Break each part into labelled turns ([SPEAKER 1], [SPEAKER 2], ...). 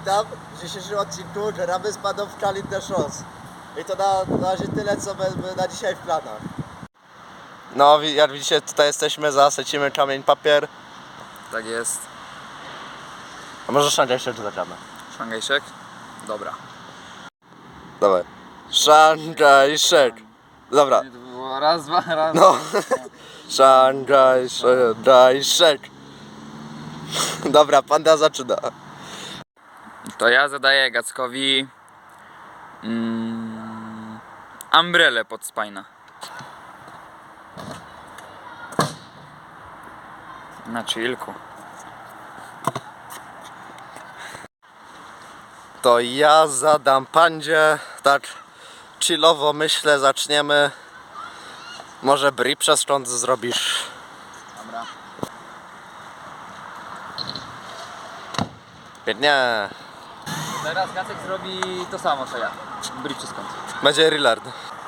[SPEAKER 1] witam w dzisiejszym odcinku Gramy z paną w Challenge the Shows. I to na razie tyle, co mamy na dzisiaj w planach. No, jak widzicie, tutaj jesteśmy, zasecimy kamień, papier.
[SPEAKER 2] Tak jest.
[SPEAKER 1] A może szangajszek tu zagramy?
[SPEAKER 2] Szangajszek? Dobra.
[SPEAKER 1] Dawaj. Szangajszek. Dobra.
[SPEAKER 2] To było raz, dwa, raz.
[SPEAKER 1] No. Szangajszek. Dobra, panda zaczyna.
[SPEAKER 2] To ja zadaję Gackowi umbrelę pod spajna. Na chillku.
[SPEAKER 1] To ja zadam pandzie. Tak chillowo myślę, zaczniemy. Może bri przez szcząt zrobisz.
[SPEAKER 2] Dobra.
[SPEAKER 1] Pięknie.
[SPEAKER 2] Teraz Gacek zrobi to samo co ja. Bridge czy skąd?
[SPEAKER 1] Będzie Rillard.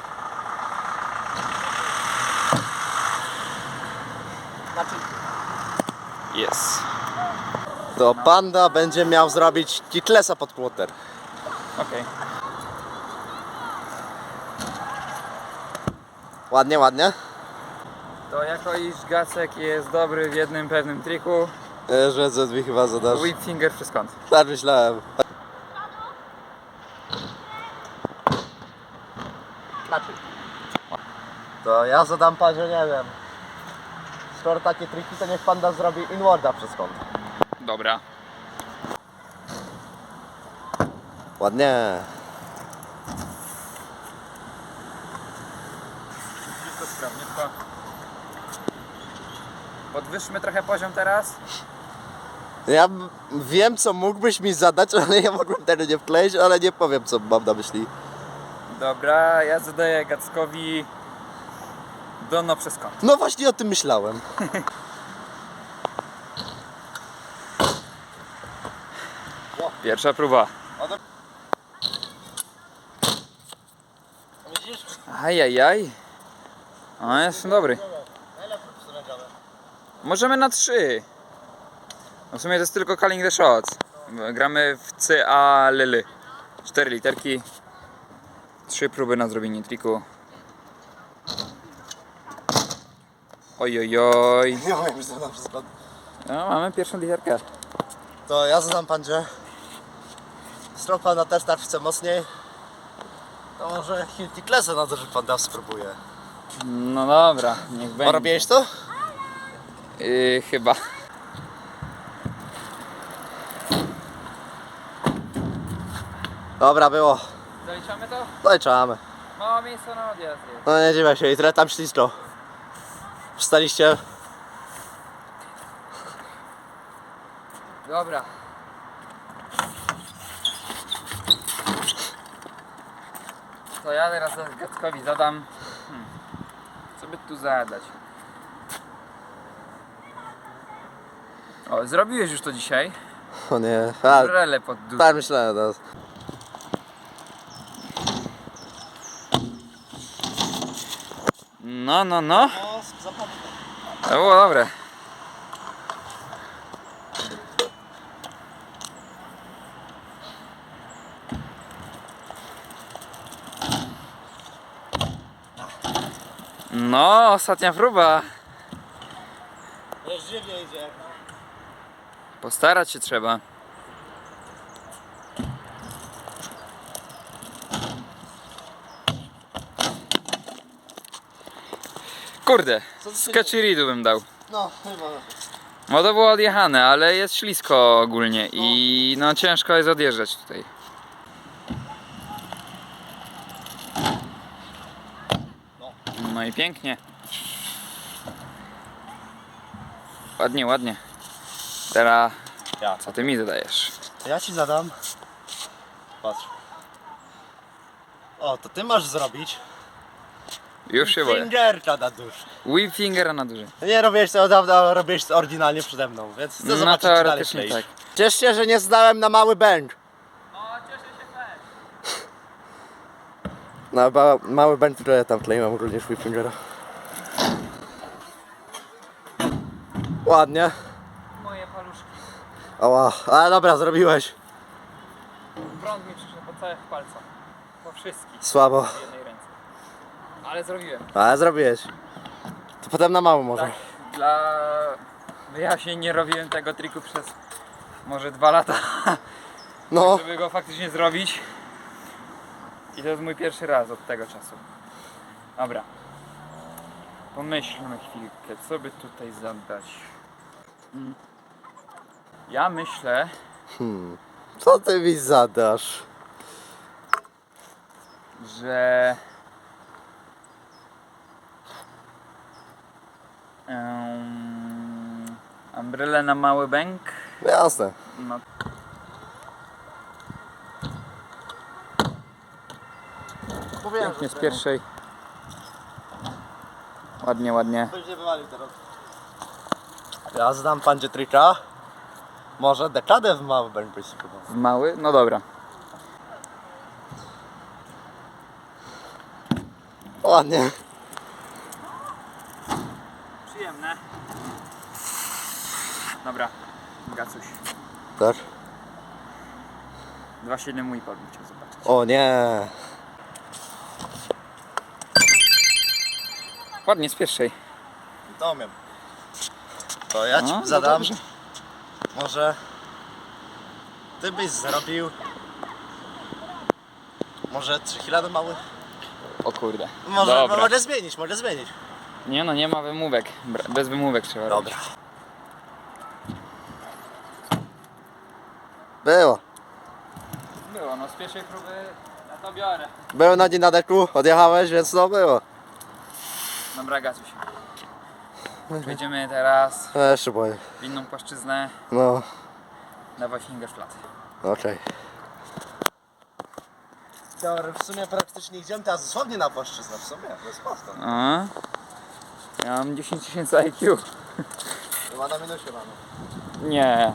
[SPEAKER 2] Jest.
[SPEAKER 1] To panda będzie miał zrobić kitlesa pod płoter.
[SPEAKER 2] Okej.
[SPEAKER 1] Ładnie, ładnie.
[SPEAKER 2] To jako iż Gacek jest dobry w jednym pewnym triku,
[SPEAKER 1] Że Z2 chyba zadasz.
[SPEAKER 2] whip finger czy skąd?
[SPEAKER 1] Tak myślałem. To ja zadam pandzie, nie wiem. Skoro takie triki, to niech panda zrobi inwarda przez kąt.
[SPEAKER 2] Dobra.
[SPEAKER 1] Ładnie.
[SPEAKER 2] Wszystko sprawniutko. Podwyższmy trochę poziom teraz.
[SPEAKER 1] Ja wiem, co mógłbyś mi zadać, ale ja mogłem tego nie wkleić, ale nie powiem, co mam na myśli.
[SPEAKER 2] Dobra, ja zadaję Gackowi dono przez kąt.
[SPEAKER 1] No właśnie o tym myślałem.
[SPEAKER 2] Pierwsza próba.
[SPEAKER 1] Widzisz?
[SPEAKER 2] Ajajaj. O, jestem dobry. Możemy na 3. No w sumie to jest tylko calling the shots. Gramy w CA Lily. 4 literki. 3 próby na zrobienie triku. Ojojoj.
[SPEAKER 1] Nie wiem, że zadam przez kąt.
[SPEAKER 2] No, mamy pierwszą literkę.
[SPEAKER 1] To ja zadam pandzie. Strong panda też tak chce mocniej. To może Hilti Klesa na to, że panda spróbuje.
[SPEAKER 2] No dobra, niech będzie.
[SPEAKER 1] Robiłeś to?
[SPEAKER 2] Chyba.
[SPEAKER 1] Dobra, było.
[SPEAKER 2] Zaliczamy to?
[SPEAKER 1] Zaliczamy.
[SPEAKER 2] Mało miejsca na odjazd jest.
[SPEAKER 1] No nie dziwię się, i tyle tam ślisko. Wstaliście.
[SPEAKER 2] Dobra. To ja teraz Gackowi zadam. Co by tu zadać? O, zrobiłeś już to dzisiaj.
[SPEAKER 1] O nie. A,
[SPEAKER 2] Brele pod dół.
[SPEAKER 1] tak myślałem teraz.
[SPEAKER 2] No, no, no. To było dobre. No, ostatnia próba.
[SPEAKER 1] Żywnie idzie.
[SPEAKER 2] Postarać się trzeba. Kurde, skachiridu bym dał.
[SPEAKER 1] No, chyba.
[SPEAKER 2] No to było odjechane, ale jest ślisko ogólnie i no ciężko jest odjeżdżać tutaj. No i pięknie. Ładnie, ładnie. Teraz
[SPEAKER 1] Ja.
[SPEAKER 2] co ty mi zadajesz?
[SPEAKER 1] Ja ci zadam. Patrz. O, to ty masz zrobić.
[SPEAKER 2] Już się boję.
[SPEAKER 1] Fingerka na dusz.
[SPEAKER 2] Whip fingera na duży.
[SPEAKER 1] Nie robiłeś to od dawna, robiłeś to oryginalnie przede mną, więc chcę
[SPEAKER 2] No
[SPEAKER 1] zobaczyć, czy dalej
[SPEAKER 2] teoretycznie
[SPEAKER 1] kleisz.
[SPEAKER 2] tak.
[SPEAKER 1] Ciesz się, że nie zdałem na mały bęk.
[SPEAKER 2] No cieszę się też.
[SPEAKER 1] Na mały bęk, który ja tam kleiłem również whip fingera. Ładnie.
[SPEAKER 2] Moje paluszki.
[SPEAKER 1] Ała, ale dobra, zrobiłeś.
[SPEAKER 2] Bąk mi przyszedł po całych palcach. Po wszystkich.
[SPEAKER 1] Słabo.
[SPEAKER 2] W jednej ręce. Ale zrobiłem.
[SPEAKER 1] Ale zrobiłeś. To potem na mało może.
[SPEAKER 2] Tak, dla wyjaśnień nie robiłem tego triku przez może 2 lata,
[SPEAKER 1] No.
[SPEAKER 2] żeby go faktycznie zrobić. I to jest mój pierwszy raz od tego czasu. Dobra. Pomyślmy chwilkę, co by tutaj zadać. Ja myślę,
[SPEAKER 1] Co ty mi zadasz?
[SPEAKER 2] że umbrelę na mały bęk.
[SPEAKER 1] Jasne.
[SPEAKER 2] No,
[SPEAKER 1] Mówiłem,
[SPEAKER 2] pięknie z pierwszej. Ładnie, ładnie.
[SPEAKER 1] Będzie wywalił teraz. Ja znam pandzie trika. Może dekadę w mały będę być spróbował.
[SPEAKER 2] W mały? No dobra.
[SPEAKER 1] Ładnie.
[SPEAKER 2] Przyjemne. Dobra, Gacuś.
[SPEAKER 1] Tak.
[SPEAKER 2] 2,7,5 bym chciał zobaczyć.
[SPEAKER 1] O nie.
[SPEAKER 2] Ładnie z pierwszej.
[SPEAKER 1] To umiem. To ja ci
[SPEAKER 2] No,
[SPEAKER 1] zadam.
[SPEAKER 2] dobrze.
[SPEAKER 1] Może ty byś zrobił. Może 3 kg do małych?
[SPEAKER 2] O kurde.
[SPEAKER 1] Może,
[SPEAKER 2] Dobra.
[SPEAKER 1] może zmienić, może zmienić.
[SPEAKER 2] Nie no, nie ma wymówek. Bez wymówek trzeba robić.
[SPEAKER 1] Dobra. Było.
[SPEAKER 2] Było, no z pierwszej próby ja to biorę.
[SPEAKER 1] Było na dzień na deku, odjechałeś, więc no było.
[SPEAKER 2] Dobra, Gacuś. Przejdziemy teraz
[SPEAKER 1] Ja się boję.
[SPEAKER 2] w inną płaszczyznę.
[SPEAKER 1] No,
[SPEAKER 2] Dawaj finger flat.
[SPEAKER 1] okej. Teory w sumie praktycznie idziemy teraz dosłownie na płaszczyznę, w sumie, to jest prosto.
[SPEAKER 2] A? Ja mam 10 000 IQ.
[SPEAKER 1] Chyba na minusie mamy.
[SPEAKER 2] Nie.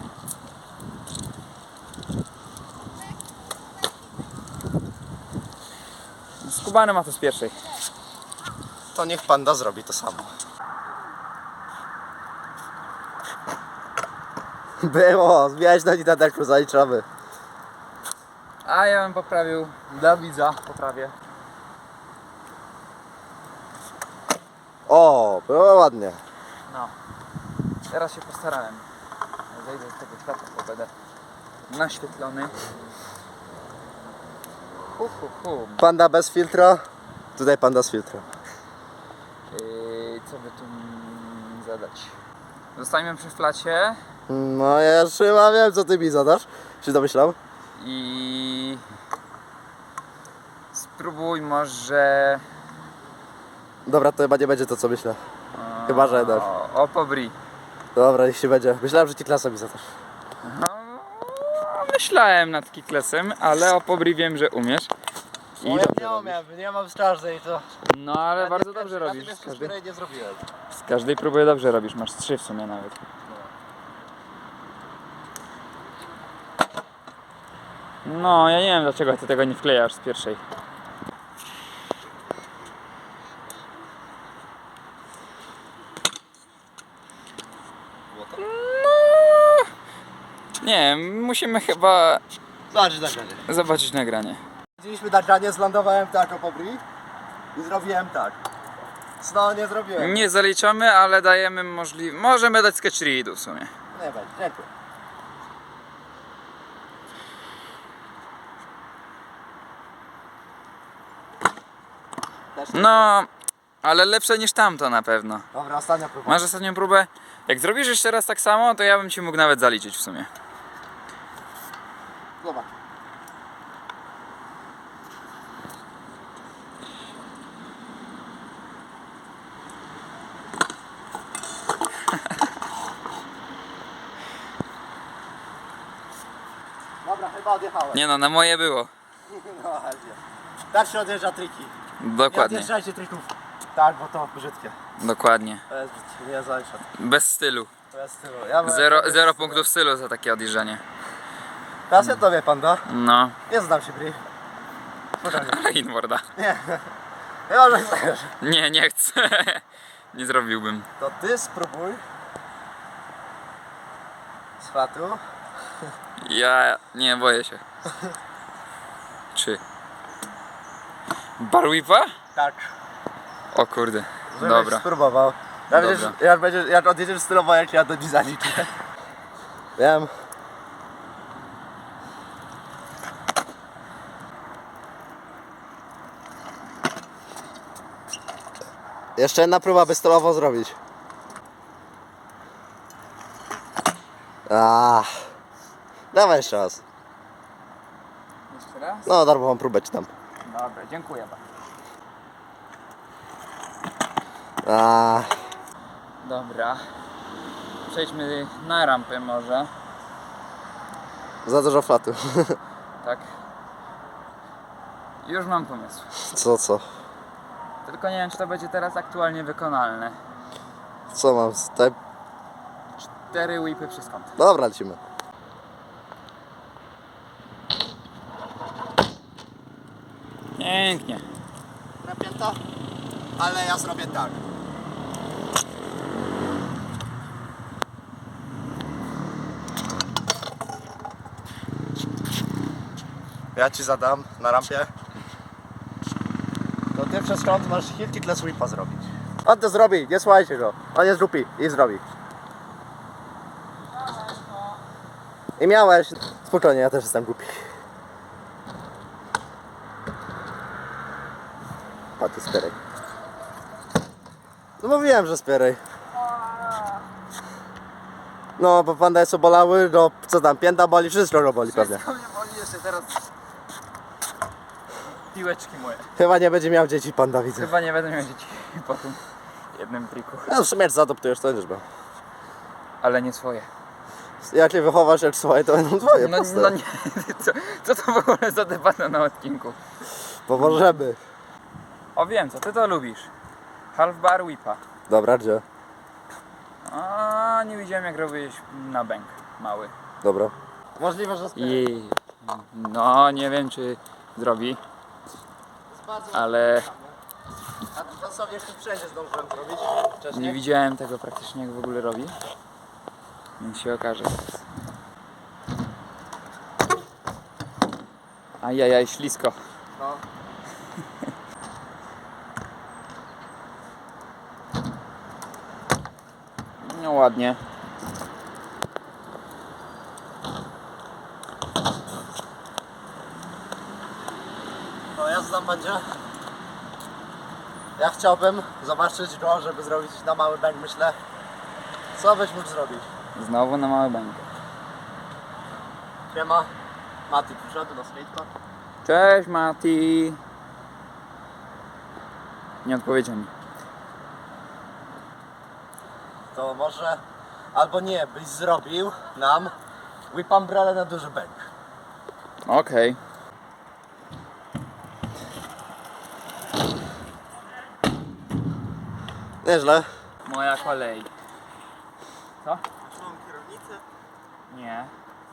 [SPEAKER 2] Skubany ma to z pierwszej.
[SPEAKER 1] To niech panda zrobi to samo. Było, zmieniać na dzień na deku, zaliczamy.
[SPEAKER 2] A ja bym poprawił dla widza. Poprawię.
[SPEAKER 1] O, było ładnie.
[SPEAKER 2] No. Teraz się postarałem. Zejdę z tego światła, bo będę naświetlony.
[SPEAKER 1] Panda bez filtra, tutaj panda z filtrem.
[SPEAKER 2] Co by tu zadać? Zostańmy przy flacie
[SPEAKER 1] No ja już chyba wiem, co ty mi zadasz. Się domyślał?
[SPEAKER 2] i spróbuj może
[SPEAKER 1] Dobra, to chyba nie będzie to, co myślę. Chyba, że dasz.
[SPEAKER 2] Opobri.
[SPEAKER 1] Dobra, niech się będzie. Myślałem, że ci klasa mi zadasz.
[SPEAKER 2] No, myślałem nad kiklesem, ale opobri wiem, że umiesz. I
[SPEAKER 1] No,
[SPEAKER 2] dobrze
[SPEAKER 1] ja
[SPEAKER 2] robisz.
[SPEAKER 1] nie mam z każdej to.
[SPEAKER 2] No ale bardzo dobrze robisz.
[SPEAKER 1] Z której nie zrobiłem.
[SPEAKER 2] Z każdej próby dobrze robisz. Masz 3 w sumie nawet. No, ja nie wiem dlaczego ty tego nie wklejasz z pierwszej. Nie, musimy chyba
[SPEAKER 1] Zobacz nagranie.
[SPEAKER 2] zobaczyć nagranie.
[SPEAKER 1] Widzieliśmy nagranie, zlądowałem tak o pobri i zrobiłem tak. No nie zrobiłem.
[SPEAKER 2] Nie zaliczamy, ale dajemy możliwość. Możemy dać sketch readu w sumie.
[SPEAKER 1] Nie będzie, dziękuję. Też nie.
[SPEAKER 2] No, ale lepsze niż tamto na pewno.
[SPEAKER 1] Dobra, ostatnia próba.
[SPEAKER 2] Masz ostatnią próbę? Jak zrobisz jeszcze raz tak samo, to ja bym ci mógł nawet zaliczyć w sumie.
[SPEAKER 1] Zobacz. Dobra, chyba odjechałem.
[SPEAKER 2] Nie no, na moje było.
[SPEAKER 1] No, ładnie. Tak się odjeżdża triki. Nie
[SPEAKER 2] Dokładnie,
[SPEAKER 1] odjeżdżajcie trików. Tak, bo to brzydkie.
[SPEAKER 2] dokładnie.
[SPEAKER 1] To jest brzydkie, nie zaliczam.
[SPEAKER 2] Bez stylu.
[SPEAKER 1] To jest stylu. Ja
[SPEAKER 2] Zero punktów stylu za takie odjeżdżanie.
[SPEAKER 1] Teraz ja tobie, panda.
[SPEAKER 2] No,
[SPEAKER 1] Nie znam się, Bri. Spokojnie.
[SPEAKER 2] inwarda.
[SPEAKER 1] Nie. Chyba, że chcesz.
[SPEAKER 2] Nie, nie chcę. Nie zrobiłbym.
[SPEAKER 1] To ty spróbuj. Z chwatu.
[SPEAKER 2] Ja nie boję się. Bar whipa?
[SPEAKER 1] Tak.
[SPEAKER 2] O kurde,
[SPEAKER 1] Żebyś
[SPEAKER 2] dobra.
[SPEAKER 1] spróbował.
[SPEAKER 2] Dobra.
[SPEAKER 1] Jak odjedziesz stylowo, jak ja do dziś zaliczę. Wiem. Jeszcze jedna próba, by stylowo zrobić. Dawaj jeszcze raz.
[SPEAKER 2] Jeszcze raz?
[SPEAKER 1] No, darmową próbę ci tam.
[SPEAKER 2] Dobra, dziękuję bardzo. Dobra. Przejdźmy na rampę może.
[SPEAKER 1] Za dużo flatu.
[SPEAKER 2] Tak. Już mam pomysł.
[SPEAKER 1] Co?
[SPEAKER 2] Tylko nie wiem, czy to będzie teraz aktualnie wykonalne.
[SPEAKER 1] Co mam tutaj?
[SPEAKER 2] 4 whipy przez kąt.
[SPEAKER 1] Dobra, lecimy.
[SPEAKER 2] Pięknie.
[SPEAKER 1] Napięta? Ale ja zrobię tak. Ja ci zadam na rampie. To ty przez kąt masz heel kickless whipa zrobić. On to zrobi, nie słuchajcie go. On jest głupi i zrobi. I miałeś. Spokojnie, ja też jestem głupi. A ty spieraj. No mówiłem, że spieraj. No, bo panda jest obolały, no co tam, pięta boli, wszystko go boli pewnie.
[SPEAKER 2] Wszystko mnie boli jeszcze teraz. Piłeczki moje.
[SPEAKER 1] Chyba nie będzie miał dzieci panda, widzę.
[SPEAKER 2] Chyba nie będę miał dzieci po tym jednym triku.
[SPEAKER 1] No w sumie jak zaadoptujesz, to będziesz miał.
[SPEAKER 2] Ale nie swoje.
[SPEAKER 1] Jak je wychowasz jak swoje, to będą twoje,
[SPEAKER 2] No,
[SPEAKER 1] proste.
[SPEAKER 2] no nie, co to w ogóle za debata na odcinku?
[SPEAKER 1] Pomożemy.
[SPEAKER 2] O wiem, co ty to lubisz. Half bar whipa.
[SPEAKER 1] Dobra, gdzie?
[SPEAKER 2] A nie widziałem jak robiłeś na bęk mały.
[SPEAKER 1] Dobra. Możliwe, że
[SPEAKER 2] I no nie wiem czy zrobi, ale
[SPEAKER 1] A to sobie jeszcze wszędzie zdążyłem zrobić
[SPEAKER 2] nie
[SPEAKER 1] wcześniej.
[SPEAKER 2] widziałem tego praktycznie jak w ogóle robi. Więc się okaże teraz. Ajajaj, ślisko.
[SPEAKER 1] No.
[SPEAKER 2] No ładnie.
[SPEAKER 1] No ja znam będzie. Ja chciałbym zobaczyć go, żeby zrobić na mały bank, myślę. Co byś mógł zrobić?
[SPEAKER 2] Znowu na mały bęk.
[SPEAKER 1] Siema. Mati przyszedł na skatepark.
[SPEAKER 2] Cześć Mati. Nie odpowiedział mi.
[SPEAKER 1] To może, albo nie, byś zrobił nam whip umbrella na duży bank.
[SPEAKER 2] Okej.
[SPEAKER 1] Nieźle.
[SPEAKER 2] Moja kolej. Co?
[SPEAKER 1] Mam kierownicę?
[SPEAKER 2] Nie.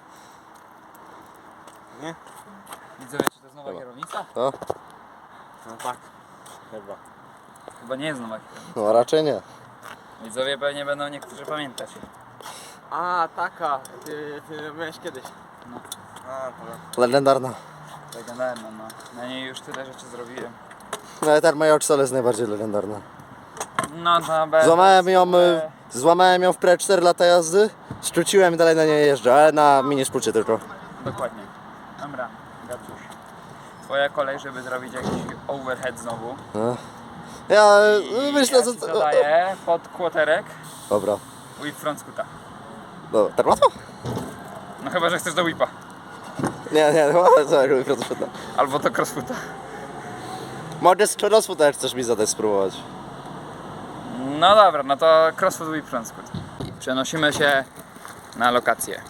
[SPEAKER 1] Nie?
[SPEAKER 2] Widzowie, czy to jest nowa
[SPEAKER 1] Chyba.
[SPEAKER 2] kierownica?
[SPEAKER 1] To?
[SPEAKER 2] No tak.
[SPEAKER 1] Chyba.
[SPEAKER 2] Chyba nie jest nowa kierownica.
[SPEAKER 1] No raczej nie.
[SPEAKER 2] Widzowie pewnie będą niektórzy pamiętać.
[SPEAKER 3] A, taka, ty miałeś kiedyś.
[SPEAKER 2] No.
[SPEAKER 3] A, to
[SPEAKER 1] Legendarna.
[SPEAKER 2] Legendarna, no. Na niej już tyle rzeczy zrobiłem.
[SPEAKER 1] No ta moja oczca jest najbardziej legendarna.
[SPEAKER 2] No to bez...
[SPEAKER 1] Złamałem ją w pre 4 lata jazdy, skróciłem i dalej na niej jeżdżę, ale na mini skrócie tylko.
[SPEAKER 2] Dokładnie. Dobra, Gabciuś. Twoja kolej, żeby zrobić jakiś overhead znowu.
[SPEAKER 1] No. Ja myślę,
[SPEAKER 2] ja
[SPEAKER 1] że...
[SPEAKER 2] ci zadaję pod kłoterek
[SPEAKER 1] Dobra.
[SPEAKER 2] whip front scoota.
[SPEAKER 1] Dobra, tak łatwo?
[SPEAKER 2] No chyba, że chcesz do whipa.
[SPEAKER 1] Nie, chyba co, jak crossfoota.
[SPEAKER 2] Albo do crossfoota.
[SPEAKER 1] Mogę z crossfoota, jak chcesz mi zadać spróbować.
[SPEAKER 2] No dobra, no to crossfoot whip front scoot. Przenosimy się na lokację.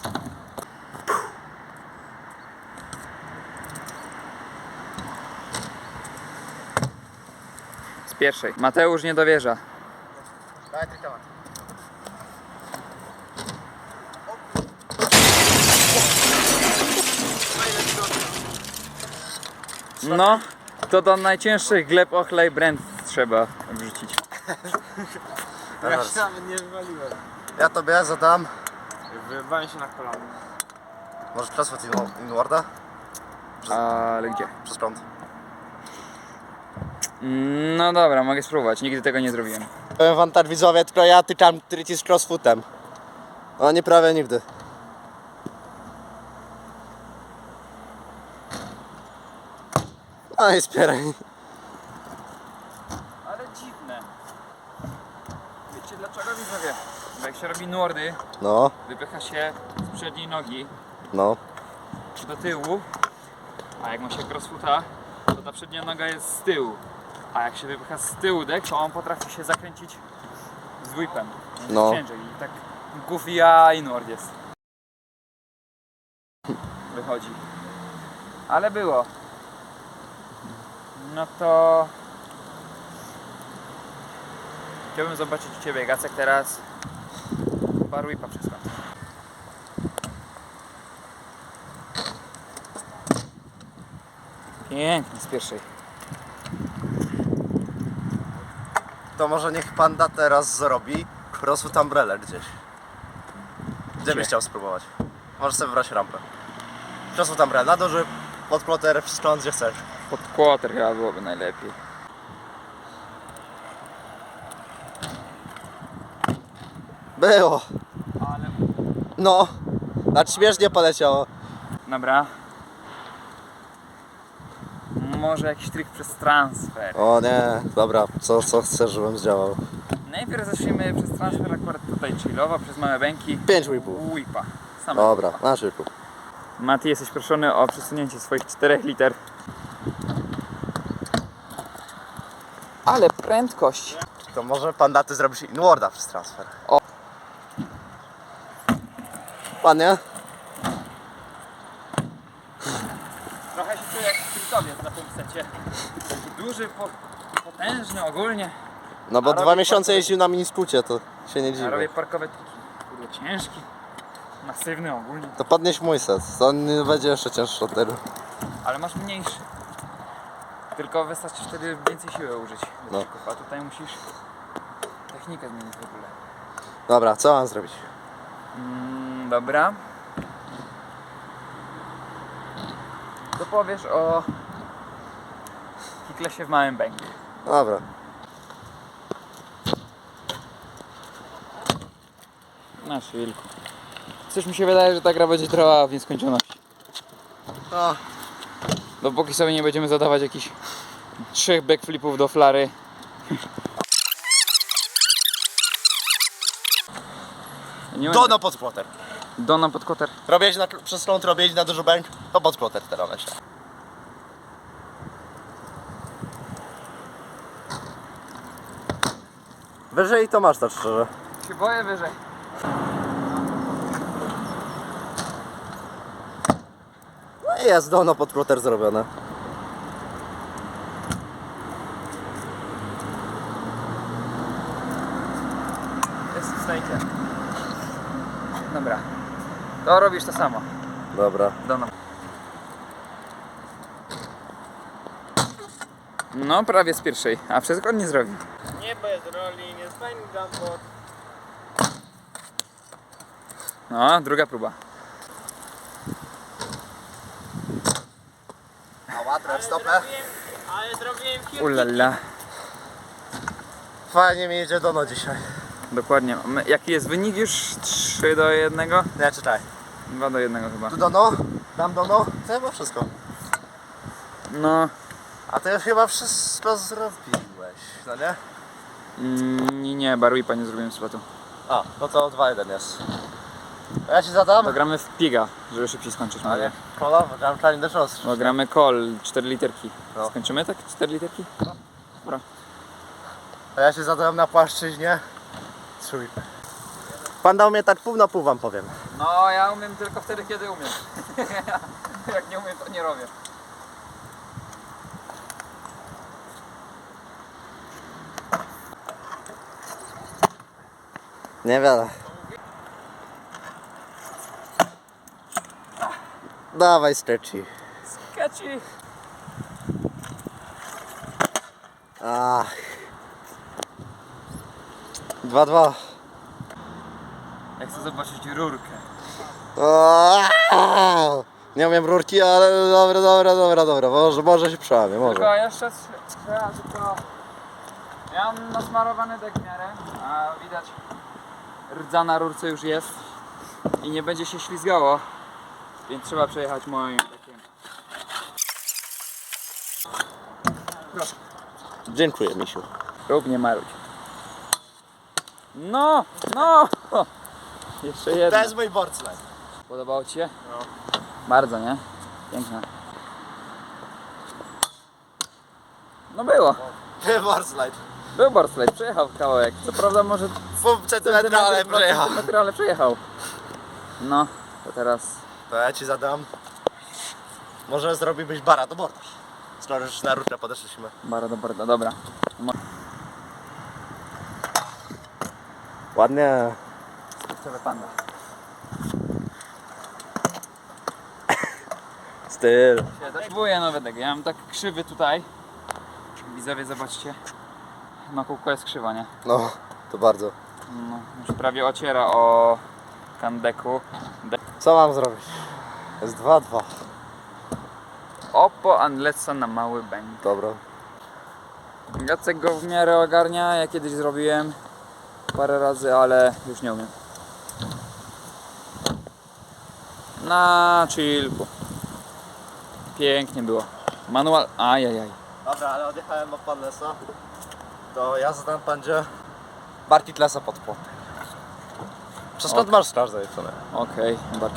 [SPEAKER 2] Z pierwszej. Mateusz nie dowierza.
[SPEAKER 1] Daj tylko.
[SPEAKER 2] No, to do najcięższych gleb ochlej brand trzeba wrzucić.
[SPEAKER 3] ja się nawet nie wywaliłem.
[SPEAKER 1] Ja tobie zadam.
[SPEAKER 3] Wywaliłem się na kolano.
[SPEAKER 1] Może crossfoot inwarda?
[SPEAKER 2] Ale gdzie?
[SPEAKER 1] Przez prąd.
[SPEAKER 2] No dobra, mogę spróbować, nigdy tego nie zrobiłem.
[SPEAKER 1] Powiem wam tak widzowie, tylko ja tykam trici z crossfootem. Oni prawie nigdy. No i spieraj.
[SPEAKER 2] Ale dziwne. Wiecie dlaczego widzowie? Bo jak się robi nordy,
[SPEAKER 1] No,
[SPEAKER 2] wypycha się z przedniej nogi
[SPEAKER 1] no.
[SPEAKER 2] do tyłu, a jak ma się crossfoota, to ta przednia noga jest z tyłu. A jak się wypycha z tyłu dek, to on potrafi się zakręcić z whipem.
[SPEAKER 1] No.
[SPEAKER 2] Ciężej i tak goofy a inward jest. Wychodzi. Ale było. No to... Chciałbym zobaczyć u Ciebie, Gacek, teraz bar whipa przez kąt. Pięknie z pierwszej.
[SPEAKER 1] To może niech panda teraz zrobi crossfoot umbrella gdzieś. Gdzie byś chciał spróbować? Możesz sobie wybrać rampę. Crossfoot umbrella, duży podploter, wszystko gdzie chcesz.
[SPEAKER 2] Pod quarter chyba byłoby najlepiej.
[SPEAKER 1] Było.
[SPEAKER 2] Ale...
[SPEAKER 1] No. Znaczy śmiesznie poleciało.
[SPEAKER 2] Dobra. Może jakiś trik przez transfer.
[SPEAKER 1] O nie, dobra, co chcesz, żebym zdziałał?
[SPEAKER 2] Najpierw zacznijmy przez transfer akurat tutaj chillowo, przez małe bęki.
[SPEAKER 1] 5 whipów.
[SPEAKER 2] Whipa. Same
[SPEAKER 1] Dobra,
[SPEAKER 2] whipa.
[SPEAKER 1] na szybko.
[SPEAKER 2] Mati, jesteś proszony o przesunięcie swoich 4 liter. Ale prędkość.
[SPEAKER 1] To może panda ty zrobisz inwarda przez transfer.
[SPEAKER 2] O.
[SPEAKER 1] Ładnie?
[SPEAKER 2] Trochę się czuję jak sprintowiec na tym secie. Taki duży, potężny ogólnie.
[SPEAKER 1] No bo
[SPEAKER 2] A
[SPEAKER 1] 2
[SPEAKER 2] robi
[SPEAKER 1] miesiące
[SPEAKER 2] parkowe-
[SPEAKER 1] jeździł na miniskrócie, to się nie
[SPEAKER 2] Ja
[SPEAKER 1] dziwię.
[SPEAKER 2] robię parkowe triki. Kurde, ciężki. Masywny ogólnie.
[SPEAKER 1] To podnieś mój set, to on będzie jeszcze cięższy od tego.
[SPEAKER 2] Ale masz mniejszy. Tylko wystarczy wtedy więcej siły użyć.
[SPEAKER 1] No.
[SPEAKER 2] A tutaj musisz technikę zmienić w ogóle.
[SPEAKER 1] Dobra, co mam zrobić?
[SPEAKER 2] Dobra. Co powiesz o kicklessie w małym bęku?
[SPEAKER 1] Dobra.
[SPEAKER 2] Nasz wilku. Coś mi się wydaje, że ta gra będzie trwała w nieskończoność.
[SPEAKER 1] No.
[SPEAKER 2] Dopóki sobie nie będziemy zadawać jakichś 3 backflipów do flary. Nie
[SPEAKER 1] Dono pod ploter.
[SPEAKER 2] Dona pod koter.
[SPEAKER 1] Robić przez ląd, robić na dużo bęk, to pod ploter teraz myślę. Wyżej to masz tak szczerze.
[SPEAKER 2] Się boję wyżej.
[SPEAKER 1] No i jest dono pod ploter zrobione.
[SPEAKER 2] Jest w stejcie. Dobra. To robisz to samo.
[SPEAKER 1] Dobra.
[SPEAKER 2] Dona. No, prawie z pierwszej, a wszystko on nie zrobił.
[SPEAKER 3] Nie bez roli, nie fajny jumpbot.
[SPEAKER 2] No, druga próba.
[SPEAKER 1] A łatwe stopę.
[SPEAKER 3] Ale zrobiłem kilka.
[SPEAKER 2] Ulala.
[SPEAKER 1] Fajnie mi idzie dono dzisiaj.
[SPEAKER 2] Dokładnie. Jaki jest wynik już? 3-1?
[SPEAKER 1] Nie, czytaj.
[SPEAKER 2] 2-1 chyba.
[SPEAKER 1] Tu dono, tam dono, to chyba wszystko.
[SPEAKER 2] No,
[SPEAKER 1] A ty już chyba wszystko zrobiłeś, no nie?
[SPEAKER 2] nie, barwipa nie zrobiłem slotu.
[SPEAKER 1] A, no to 2-1 jest. A ja ci zadam?
[SPEAKER 2] To gramy w piga, żeby szybciej skończyć.
[SPEAKER 1] A
[SPEAKER 2] Mówię.
[SPEAKER 1] nie, kola, gram Challenge the Shows.
[SPEAKER 2] Bo gramy call 4 literki.
[SPEAKER 1] No.
[SPEAKER 2] Skończymy tak? 4 literki? Dobra.
[SPEAKER 1] A ja się zadałem na płaszczyźnie. Trój. Pan dał mnie tak pół na pół, wam powiem.
[SPEAKER 2] No, ja umiem tylko wtedy, kiedy umiem. Jak nie umiem, to nie robię.
[SPEAKER 1] Niewiele. Dawaj stretchy.
[SPEAKER 2] Catchy.
[SPEAKER 1] Ach. 2-2.
[SPEAKER 2] Ja chcę zobaczyć rurkę.
[SPEAKER 1] Nie umiem rurki, ale dobra. Może się przełamie, może.
[SPEAKER 2] Tylko jeszcze trzeba tylko... Ja mam nasmarowany dek w miarę, a widać rdza na rurce już jest i nie będzie się ślizgało, więc trzeba przejechać moim dekiem. Proszę.
[SPEAKER 1] Dziękuję, misiu.
[SPEAKER 2] Rób, nie marudź. No! Jeszcze jedno.
[SPEAKER 1] To jest mój board slide.
[SPEAKER 2] Podobało Ci się? No. Bardzo, nie? Piękne. No było.
[SPEAKER 1] Board slide.
[SPEAKER 2] Był boardslide, przejechał kawałek. Co prawda może
[SPEAKER 1] Pół centymetra, ale przejechał.
[SPEAKER 2] centymetry, ale przejechał. No, to teraz
[SPEAKER 1] To ja ci zadam. Może zrobiłbyś bara do borda. Skoro już na rurkę podeszliśmy.
[SPEAKER 2] bara do borda, dobra.
[SPEAKER 1] Ładnie.
[SPEAKER 2] Kurczowe panda.
[SPEAKER 1] Styl.
[SPEAKER 2] Próbuję nowy dek. Ja mam tak krzywy tutaj. Widzowie, zobaczcie. No kółko jest krzywa, nie?
[SPEAKER 1] No, to bardzo.
[SPEAKER 2] No, już prawie ociera o kandeku.
[SPEAKER 1] Co mam zrobić? Jest 2-2.
[SPEAKER 2] Oppo Andletsa na mały bęk.
[SPEAKER 1] Dobra.
[SPEAKER 2] Jacek go w miarę ogarnia, ja kiedyś zrobiłem parę razy, ale już nie umiem. Na chillku. Pięknie było. Manual, ajajaj.
[SPEAKER 1] Dobra, ale odjechałem od Panlesa. To ja zadam pandzie Bartit Lesa pod płotek. Przez skąd masz straż zajęczone?
[SPEAKER 2] Okej, barki.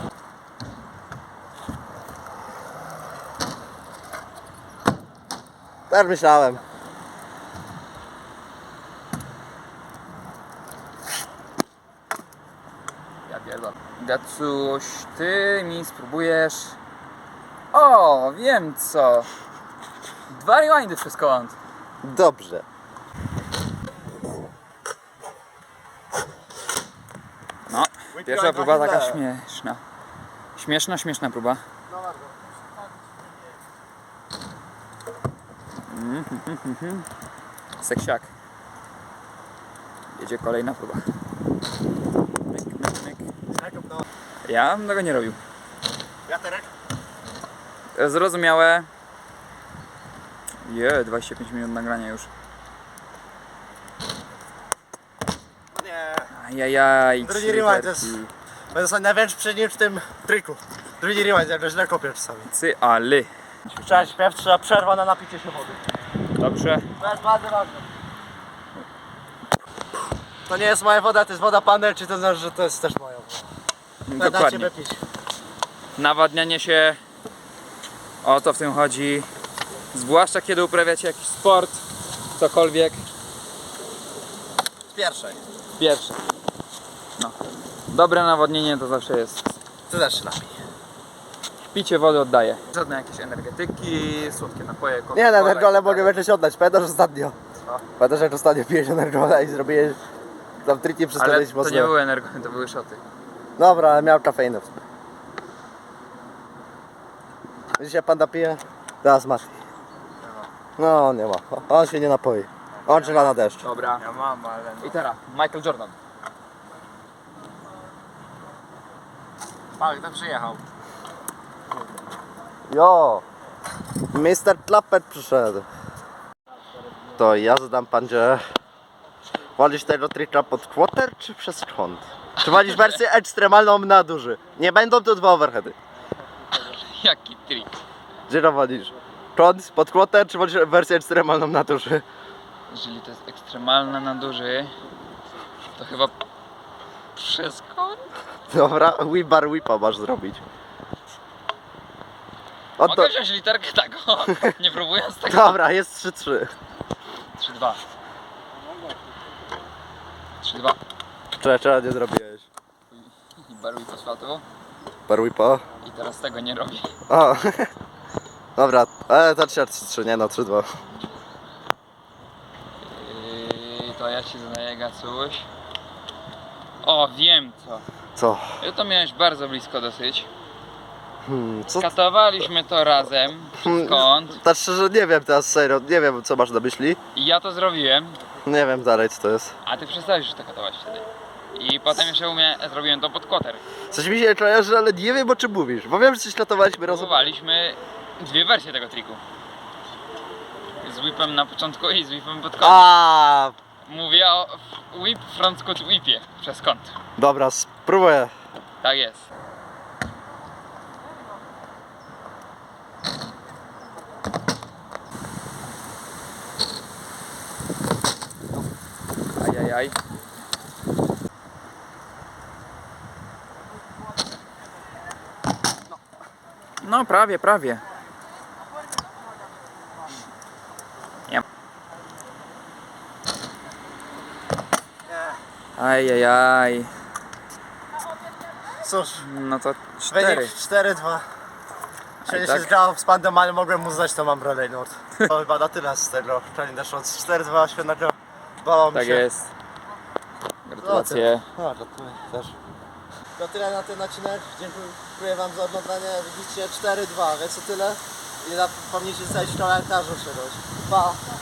[SPEAKER 1] Tak myślałem.
[SPEAKER 2] Ja pierdolę. Gacuś, ty mi spróbujesz... O, wiem co. 2 rewindy przez kąt.
[SPEAKER 1] Dobrze.
[SPEAKER 2] No, pierwsza próba taka śmieszna. Śmieszna próba. Seksiak. Jedzie kolejna próba. Myk. Ja bym tego nie robił.
[SPEAKER 1] Wiaterek?
[SPEAKER 2] Zrozumiałe. 25 minut nagrania już.
[SPEAKER 1] Nie.
[SPEAKER 2] Ajajaj.
[SPEAKER 1] Drugi
[SPEAKER 2] 3
[SPEAKER 1] rewind
[SPEAKER 2] literki.
[SPEAKER 1] jest- Będę sobie największy przeciw w tym triku. Drugi rewind, jak źle kopię czasami.
[SPEAKER 2] Cyali.
[SPEAKER 1] Trzeba śpiew, trzeba przerwa na napicie się wody.
[SPEAKER 2] Dobrze.
[SPEAKER 1] To jest bardzo ważne. To nie jest moja woda, to jest woda panel, czy to znaczy, że to jest też moja woda. Będę
[SPEAKER 2] Dokładnie.
[SPEAKER 1] ciebie pić.
[SPEAKER 2] Nawadnianie się, o to w tym chodzi. Zwłaszcza kiedy uprawiacie jakiś sport, cokolwiek.
[SPEAKER 1] Z pierwszej.
[SPEAKER 2] Pierwsze. No. Dobre nawodnienie to zawsze jest.
[SPEAKER 1] Ty też się napij.
[SPEAKER 2] Picie wody oddaje. Żadne jakieś energetyki, słodkie napoje,
[SPEAKER 1] Nie, na
[SPEAKER 2] Coca-Cola
[SPEAKER 1] Energole
[SPEAKER 2] i tak
[SPEAKER 1] mogę
[SPEAKER 2] dalej.
[SPEAKER 1] jeszcze się oddać. Pamiętasz ostatnio?
[SPEAKER 2] Co?
[SPEAKER 1] Pamiętasz jak ostatnio piłeś Energola i zrobiłeś tam triki przez
[SPEAKER 2] Ale
[SPEAKER 1] kiedyś
[SPEAKER 2] to
[SPEAKER 1] mocno.
[SPEAKER 2] nie były energo, to były szoty.
[SPEAKER 1] Dobra, ale miał kafeinę w sobie. Dzisiaj panda pije? Teraz Mati. No nie ma. On się nie napoi. On czeka na deszcz.
[SPEAKER 2] Dobra.
[SPEAKER 3] Ja mam, ale...
[SPEAKER 2] I teraz Michael Jordan.
[SPEAKER 3] Tak, to przyjechał.
[SPEAKER 1] Jo! Mr. Klapper przyszedł. To ja zadam pandzie. Wolisz tego trika pod quarter czy przez kąt? Czy wolisz wersję ekstremalną na duży? Nie będą to 2 overheady.
[SPEAKER 2] Jaki trik.
[SPEAKER 1] Gdzie to wolisz? Kąt pod quarter czy wolisz wersję ekstremalną na duży?
[SPEAKER 2] Jeżeli to jest ekstremalne na duży, to chyba przez kąt?
[SPEAKER 1] Dobra, whip whipa masz zrobić. O to...
[SPEAKER 2] Mogę wziąć literkę tak, o, nie próbując tego.
[SPEAKER 1] Dobra, jest 3-3.
[SPEAKER 2] 3-2. 3-2.
[SPEAKER 1] Czego nie zrobiłeś?
[SPEAKER 2] I baruj fosfatu.
[SPEAKER 1] Bar whipa?
[SPEAKER 2] I teraz tego nie robię.
[SPEAKER 1] O. Dobra, ale to 3-3, nie no 3-2.
[SPEAKER 2] To ja ci zadaję gacuś. O, wiem co.
[SPEAKER 1] Co?
[SPEAKER 2] To miałeś bardzo blisko dosyć.
[SPEAKER 1] Co?
[SPEAKER 2] Katowaliśmy to razem przez kąt.
[SPEAKER 1] Tak szczerze nie wiem teraz serio, nie wiem co masz na myśli.
[SPEAKER 2] I ja to zrobiłem.
[SPEAKER 1] Nie wiem dalej co to jest.
[SPEAKER 2] A ty przestałeś już to katować wtedy. I potem jeszcze zrobiłem to pod koter.
[SPEAKER 1] Coś mi się kojarzy, ale nie wiem o czym mówisz, bo wiem, że coś latowaliśmy razem.
[SPEAKER 2] Próbowaliśmy dwie wersje tego triku. Z whipem na początku i z whipem pod kątem.
[SPEAKER 1] A,
[SPEAKER 2] Mówię o whip front scoot whipie przez kąt.
[SPEAKER 1] dobra, spróbuję.
[SPEAKER 2] Tak jest. Ajajaj. No prawie, prawie. Nie. Ajajaj.
[SPEAKER 1] Cóż,
[SPEAKER 2] No to 4.
[SPEAKER 1] wynik 4-2. Czyli
[SPEAKER 2] tak.
[SPEAKER 1] się zgrał z pandem, ale mogłem mu zdać tą umbrellę nurt. To chyba na tyle z tego Challenge Shots. 4-2, świetnego. Bało mi
[SPEAKER 2] Tak
[SPEAKER 1] się.
[SPEAKER 2] jest. Gratulacje.
[SPEAKER 1] No, gratuluję też. To tyle na ten odcinek. Dziękuję Wam za oglądanie. Widzicie 4-2, więc to tyle. I zapomnijcie zostawić w komentarzu czegoś. Pa!